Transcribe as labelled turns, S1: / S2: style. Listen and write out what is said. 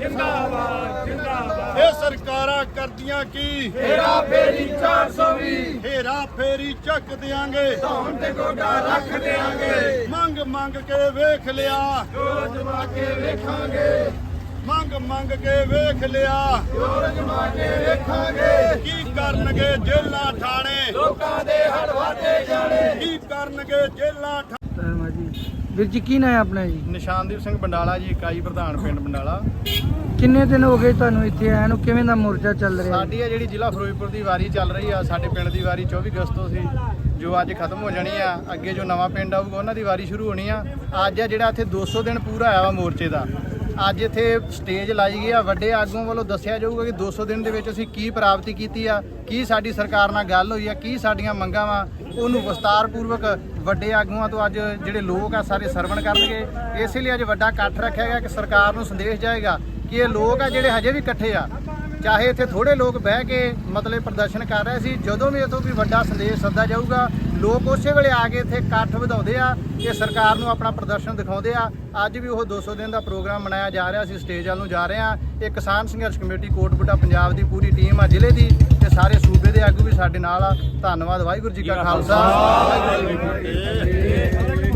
S1: जिंदाबाद जिंदाबाद।
S2: ये सरकारां करदियां की
S1: हेरा फेरी 420
S2: हेरा फेरी चक देंगे
S1: धौन ते गोडा रख देंगे।
S2: मंग मंग के वेख लिया
S1: जोर जमा के वेखांगे
S2: मंग मंग के वेख लिया
S1: जोर जमा के वेखांगे।
S2: की करनगे जेलां ठाणे
S1: लोकां दे हड़ वाटे जाने।
S2: की करनगे जेलां
S3: ਵੀਰ ਜੀ ਕੀ ਨਾਂ ਹੈ ਆਪਣਾ ਜੀ?
S2: ਨਿਸ਼ਾਨਦੀਪ ਸਿੰਘ ਬੰਡਾਲਾ ਜੀ ਇਕਾਈ ਪ੍ਰਧਾਨ ਪਿੰਡ ਬੰਡਾਲਾ।
S3: ਕਿੰਨੇ ਦਿਨ ਹੋ ਗਏ ਤੁਹਾਨੂੰ ਇੱਥੇ ਆਇਆ ਨੂੰ? ਕਿਵੇਂ ਦਾ ਮੋਰਚਾ ਚੱਲ ਰਿਹਾ?
S2: ਸਾਡੀ ਆ ਜਿਹੜੀ ਜ਼ਿਲ੍ਹਾ ਫਿਰੋਜ਼ਪੁਰ ਦੀ ਵਾਰੀ ਚੱਲ ਰਹੀ ਆ, ਸਾਡੇ ਪਿੰਡ ਦੀ ਵਾਰੀ 24 ਅਗਸਤ ਤੋਂ ਸੀ ਜੋ ਅੱਜ ਖਤਮ ਹੋ ਜਾਣੀ ਆ। ਅੱਗੇ ਜੋ ਨਵਾਂ ਪਿੰਡ ਆਊਗਾ ਉਹਨਾਂ ਦੀ ਵਾਰੀ ਸ਼ੁਰੂ ਹੋਣੀ ਆ। ਅੱਜ ਆ ਜਿਹੜਾ ਇੱਥੇ 200 ਦਿਨ ਪੂਰਾ ਆਇਆ ਵਾ ਮੋਰਚੇ ਦਾ। ਅੱਜ ਇੱਥੇ ਸਟੇਜ ਲਾਈ ਗਈ ਆ, ਵੱਡੇ ਆਗੂਆਂ ਵੱਲੋਂ ਦੱਸਿਆ ਜਾਊਗਾ ਕਿ 200 ਦਿਨ ਦੇ ਵਿੱਚ ਅਸੀਂ ਕੀ ਪ੍ਰਾਪਤੀ ਕੀਤੀ ਆ, ਕੀ ਸਾਡੀ ਸਰਕਾਰ ਨਾਲ ਗੱਲ ਹੋਈ ਆ, ਕੀ ਸਾਡੀਆਂ ਮੰਗਾਂ ਵਾ, ਉਹਨੂੰ ਵਿਸਤਾਰਪੂਰਵਕ ਵੱਡੇ ਆਗੂਆਂ ਤੋਂ ਅੱਜ ਜਿਹੜੇ ਲੋਕ ਆ ਸਾਰੇ ਸਰਵਣ ਕਰਨਗੇ। ਇਸੇ ਲਈ ਅੱਜ ਵੱਡਾ ਇਕੱਠ ਰੱਖਿਆ ਗਿਆ ਕਿ ਸਰਕਾਰ ਨੂੰ ਸੰਦੇਸ਼ ਜਾਏਗਾ ਕਿ ਇਹ ਲੋਕ ਆ ਜਿਹੜੇ ਹਜੇ ਵੀ ਇਕੱਠੇ ਆ, ਚਾਹੇ ਇੱਥੇ ਥੋੜੇ ਲੋਕ ਬਹਿ ਕੇ ਮਤਲਬ ਪ੍ਰਦਰਸ਼ਨ ਕਰ ਰਹੇ ਸੀ, ਜਦੋਂ ਵੀ ਇਥੋਂ ਵੀ ਵੱਡਾ ਸੰਦੇਸ਼ ਸੱਦਾ ਜਾਊਗਾ ਲੋਕ ਉਸੇ ਵੇਲੇ ਆ ਕੇ ਇੱਥੇ ਇਕੱਠ ਵਧਾਉਂਦੇ ਆ ਕਿ ਸਰਕਾਰ ਨੂੰ ਆਪਣਾ ਪ੍ਰਦਰਸ਼ਨ ਦਿਖਾਉਂਦੇ ਆ। ਅੱਜ ਵੀ ਉਹ 200 ਦਿਨ ਦਾ ਪ੍ਰੋਗਰਾਮ ਮਨਾਇਆ ਜਾ ਰਿਹਾ ਸੀ, ਸਟੇਜ ਵੱਲ ਨੂੰ ਜਾ ਰਹੇ ਆ। ਇਹ ਕਿਸਾਨ ਸੰਘਰਸ਼ ਕਮੇਟੀ ਕੋਟਬੁੱਢਾ ਪੰਜਾਬ ਦੀ ਪੂਰੀ ਟੀਮ ਆ ਜ਼ਿਲ੍ਹੇ ਦੀ ਤੇ ਸਾਰੇ ਸੂਬੇ ਦੇ ਆਗੂ ਵੀ ਸਾਡੇ ਨਾਲ ਆ। ਧੰਨਵਾਦ। ਵਾਹਿਗੁਰੂ ਜੀ ਕਾ ਖਾਲਸਾ ਵਾਹਿਗੁਰੂ ਜੀ ਕੀ ਫਤਿਹ।